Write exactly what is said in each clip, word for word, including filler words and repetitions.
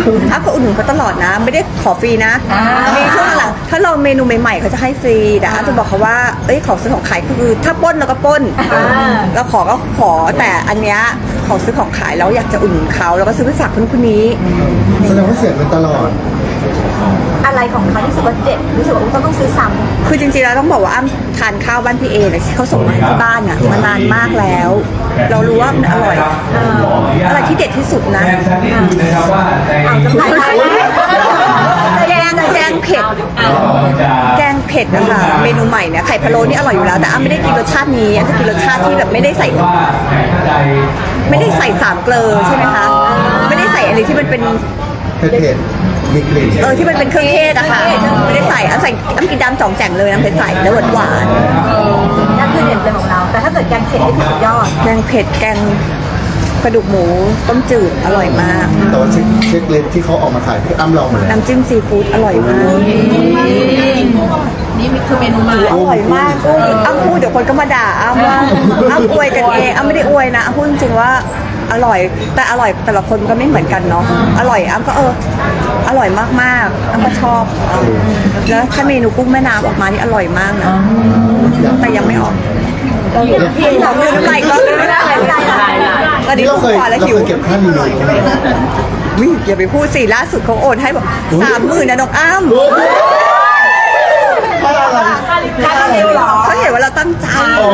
อ้ำก็อุดหนุนเขาตลอดนะไม่ได้ขอฟรีนะมีช่วงหลังถ้าลองเมนูใหม่ๆเขาจะให้ฟรีแต่อ้ำจะบอกเขาว่าเอ้ยของซื้อของขายคือถ้าปล้นเราก็ปล้นเราขอก็ขอแต่อันเนี้ยของซื้อของขายแล้วอยากจะอุดหนุนเขาแล้วก็ซื้อไปฝากคนคนนี้แสดงว่าเสียเงินตลอดอะไรของเขาที่รู้สึกว่าเด็ดรู้สึกว่าต้องต้องซื้อซ้ำคือจริงๆแล้วต้องบอกว่าอ้ำทานข้าวบ้านพี่เอเนี่ยที่เขาส่งมาให้ที่บ้านอ่ะมานานมากแล้ว เรารู้ว่ามันอร่อยอะไรที่เด็ดที่สุดนะแกงแกงเผ็ดแกงเผ็ดนะคะเมนูใหม่เนี่ยไข่พะโล้นี่อร่อยอยู่แล้วแต่อ้ำไม่ได้กินรสชาตินี้อ้ำจะกินรสชาติที่แบบไม่ได้ใส่ไม่ได้ใส่สามเกลือใช่ไหมคะไม่ได้ใส่อะไรที่มันเป็นเผ็ดๆมีกลิ่นเออที่มันเป็นเครื่องเทศอะค่ะไม่ได้ใส่อ้ำใส่อ้ำกินดำจ่องแจ่งเลยน้ำเผ็ดใส่แล้วหวานหวานนั่นคือเด็ดเลยของเรา แต่ถ้าเกิดแกงเผ็ดนี่คือสุดยอดแกงเผ็ดแกงกระดูกหมูต้มจืดอร่อยมากแต่ว่าเช็คเช็คเลนที่เขาออกมาขายพี่อ้ำลองหมดแล้วน้ำจิ้มซีฟู้ดอร่อยมากนี่คือเมนูมาอร่อยมากกุ้งอ้ำพูดเดี๋ยวคนก็มาด่าอ้ำว่าอ้ำอวยกันเองอ้ำไม่ได้อวยนะอ้ำพูดจริงๆว่าอร่อยแต่อร่อยแต่ละคนมันก็ไม่เหมือนกันเนาะอร่อยอ้ำก็เอออร่อยมากๆอ้ำก็ชอบแล้วถ้าเมนูกุ้งแม่น้ำออกมานี่อร่อยมากนะแต่ยังไม่ออกพี่เราเลือน้ำลายก็ไม่ได้ตอนนี้นี่เราทุกเคยขวาเราแล้วหิเคว ยเก็บค่ารีวิวไหมวิอย่าไปพูดสิล่าสุดเขาโอนให้แบบสามหมื่นนะน้องอ้ำค่าอะไรการรีวิวหรอเขาเห็นว่าเราตั้งใจ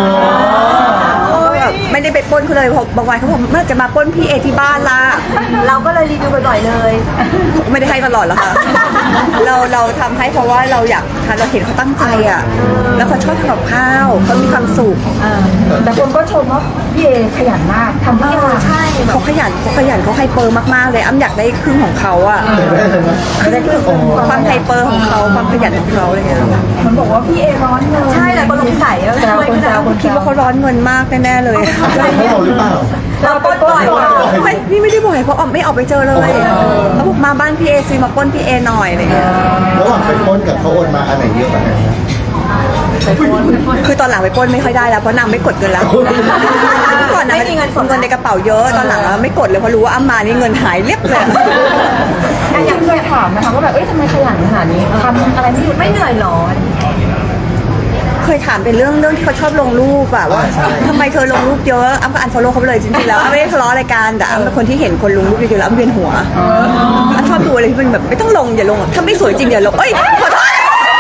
แบบไม่ได้ไปปล้นเขาเลยเพราะบางวันเขาบอกเมื่อจะมาปล้นพี่เอที่บ้านล่ะเราก็เลยรีวิวบ่อยๆเลยไม่ได้ให้ตลอดหรอกค่ะ เราเราทำให้เพราะว่าเราอยากทานเราเห็นเขาตั้งใจอ่ะ แล้วเขาชอบทำกับข้าวเขามีความสุขแต่คนก็ชมว่าพี่เอขยันมากทำทุกอย่างใช่แบบเขาขยันเขาขยันเขาไฮเปอร์มากๆเลยอ้ำอยากได้ครึ่งของเขาอ่ะเดี๋ยวได้เลยนะความไฮเปอร์ของเขาความขยันของเขาอะไรเงี้ยมันบอกว่าพี่เอร้อนเงินใช่เลยคนสงสัยแล้วแซวคนแซวคนคิดว่าเขาร้อนเงินมากแน่ๆเลยให้เราหรือเปล่าเราปล้นบ่อยไม่นี่ไม่ได้บ่อยเพราะออกไม่ออกไปเจอเลยเขาบอกมาบ้านพี่เอซื้อมาปล้นพี่เอหน่อยอะไรเงี้ยระหว่างไปปล้นกับเขาโอนมาอันไหนเยอะกว่ากันนะคือตอนหลังไปปล้นไม่ค่อยได้แล้วเพราะนางไม่กดเงินแล้วก่อนนางเงินในกระเป๋าเยอะตอนหลังไม่กดเลยเพราะรู้ว่าอ้ำมานี่เงินหายเรียบเลยอย่างเคยถามนะคะว่าแบบเอ้ยทำไมขยันขนาดนี้ทำอะไรไม่หยุดไม่เหนื่อยหรอเคยถามเป็นเรื่องเรื่องที่เขาชอบลงรูปอะว่าทำไมเธอลงรูปเยอะอ้ำก็อันฟอลโล่เขาไปเลยจริงๆแล้วอ้ำไม่ได้ทะเลาะอะไรกันแต่อ้ำเป็นคนที่เห็นคนลงรูปเยอะๆแล้วอ้ำเวียนหัวอ้ำชอบดูอะไรที่มันแบบไม่ต้องลงอย่าลงถ้าไม่สวยจริงอย่าลงเอ้ยขอโทษ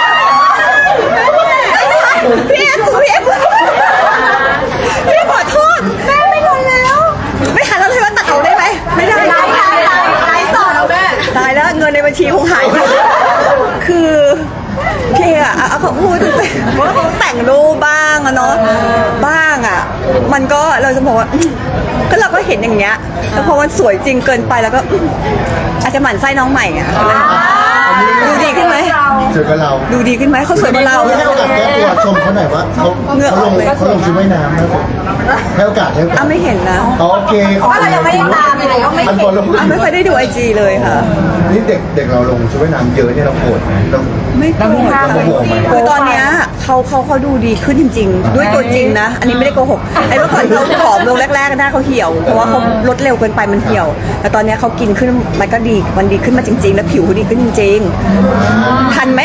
พี่เอสุพี่เอพี่ขอโทษแม่ไม่ทันแล้วไม่ทันแล้วเลยว่าตัดเอาได้ไหมไม่ได้ไลฟ์ไลฟ์ไลฟ์ไลฟ์สดแล้วแม่ตายแล้วเงินในบัญชีคงหายไปคือพี่อะเอาเขาพูดว่าเขาแต่งรูปบ้างอะเนาะบ้างอะมันก็เราจะบอกว่าก็เราก็เห็นอย่างเงี้ยแล้วพอมันสวยจริงเกินไปแล้วก็อาจจะหมั่นไส้น้องใหม่อะดูดีขึ้นไหมเจอกับเราดูดีขึ้นไหมเขาสวยกว่าเราให้โอกาสแก้ตัวชมเขาหน่อยว่าเขาเขาลงเขาลงชุดว่ายน้ำนะให้โอกาสให้โอกาสอ้ำไม่เห็นนะโอเคเพราะว่าเรายังไม่ได้ตามเลยก็ไม่อันเห็ฟอน ลลงอ้ำไม่ค่อยได้ดูไอจีเลยค่ะนี่เด็กเด็กเราลงชุดว่ายน้ำเยอะเนี่ยเราโกรธไหมเราไม่โกรธเราโมโหไหมคือตอนเนี้ยเขาเขาเขาดูดีขึ้นจริง ๆ ด้วยตัวจริงนะ อันนี้ไม่ได้โกหกไอ้เมื่อก่อนเขาผอมลงแรกๆหน้าเขาเหี่ยวเพราะว่าเขาลดเร็วเกินไปมันเหี่ยว แต่ตอนเนี้ยเขากินขึ้นมันก็ดีมันดีขึ้นมาจริง ๆ แล้วผิวเขาดีขึ้นจริงๆทันไหม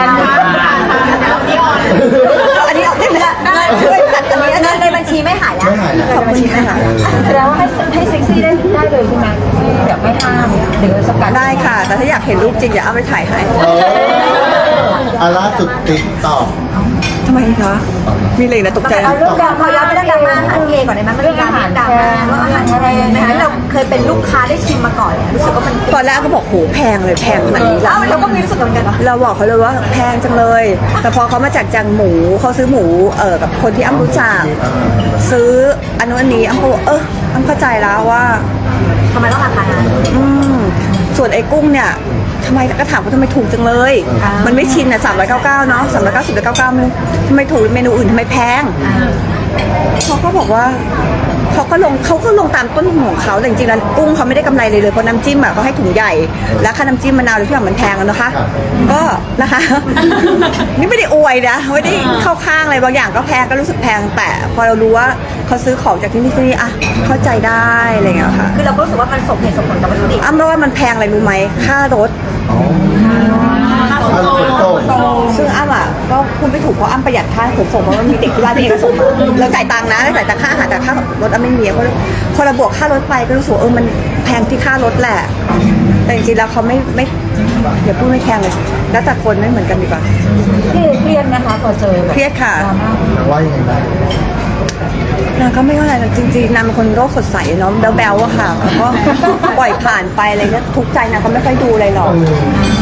อันนี้ออกได้ไหมช่วยตัดอันนี้เงินในบัญชีไม่หายแล้วไม่หายแล้วขอบคุณค่ะแสดงว่าให้ให้เซ็กซี่ได้ได้เลยใช่ไหมแบบไม่ห้ามหรือสกัดได้ค่ะ แต่ถ้าอยากเห็นรูปจริงอย่าเอาไปถ่ายให้เอออาล่าสุดติ๊กตอกทำไมคะมีเลยนะตกใจเอาเรื่องการเขาย้อนไปเรื่องดราม่าอาหารเอก่อนได้ไหมมันมีการดราม่าว่าอาหารทะเลนะคะเราเคยเป็นลูกค้าได้ชิมมาก่อนรู้สึกว่ามันตอนแรกก็บอกโหแพงเลยแพงขนาดนี้แล้แล้ววเราก็มีรู้สึกเหมือนกันเหรอเราบอกเขาเลยว่าแพงจังเลย แต่พอเขามาจากจังหมูเขาซื้อหมูเออกับคนที่อ้ำรู้จักซื้ออันนู้นอันนี้อ้ำก็บอกเอออ้ำเข้าใจแล้วว่าทำไมต้องราคานั้นอืมส่วนไอ้กุ้งเนี่ยทำไมก็ถามว่าทำไมถูกจังเลยอ่ามัมันไม่ชินอ่ะสามร้อยเก้าเก้าเนาะสามร้อยเก้าสิบเก้าเก้ามันทำไมถูกเมนูอื่นทำไมแพงเขาก็บอกว่าเขาก็ลงเขาก็ลงตามต้นทุนของเขาแต่จริงๆแล้วกุ้งเขาไม่ได้กำไรเลยเลยเพราะน้ำจิ้มอ่ะเขาให้ถุงใหญ่แล้วค่าน้ำจิ้มมะนาวหรือที่อย่างมันแพงอะนะคะ ก็นะคะ นี่ไม่ได้อวยนะไม่ได้เข้าข้างอะไรบางอย่างก็แพงก็รู้สึกแพงแต่พอเรารู้ว่าเขาซื้อของจากที่นี่ที่นี่อ่ะเข้าใจได้อะไรอย่างเงี้ยค่ะคือเราก็รู้สึกว่ามันสมเหตุสมผลกับวัตถุดิบอ้ำว่ามันแพงอะไรรู้ไหมค่ารถค่าขนส่งซึ่งอ้ำอ่ะก็พูดไม่ถูกเพราะอ้ำประหยัดค่าขนส่งเพราะมันมีเด็กที่บ้านที่เอกส่งมาเราจ่ายตังค์นะจ่ายแต่ค่าอาหารแต่ค่ารถอ้ำไม่มีเพราะพอเราบวกค่ารถไปก็รู้สึกว่าเออมันแพงที่ค่ารถแหละ แต่จริงๆแล้วเขาไม่ไม่อย่าพูดไม่แพงเลยแล้วแต่คนไม่เหมือนกันดีกว่าพี่เอเครียดนะคะพอเจอแบบเครียดค่ะดราม่าว่ายังไงบ้างนางก็ไม่ว่าอะไรนะจริงๆนางเป็นคนโรคสดใสเนาะแบ๊วๆอะค่ะแล้วก็ปล่อยผ่านไปอะไรเงี้ยทุกข์ใจนางก็ไม่ค่อยดูอะไรหรอกเออ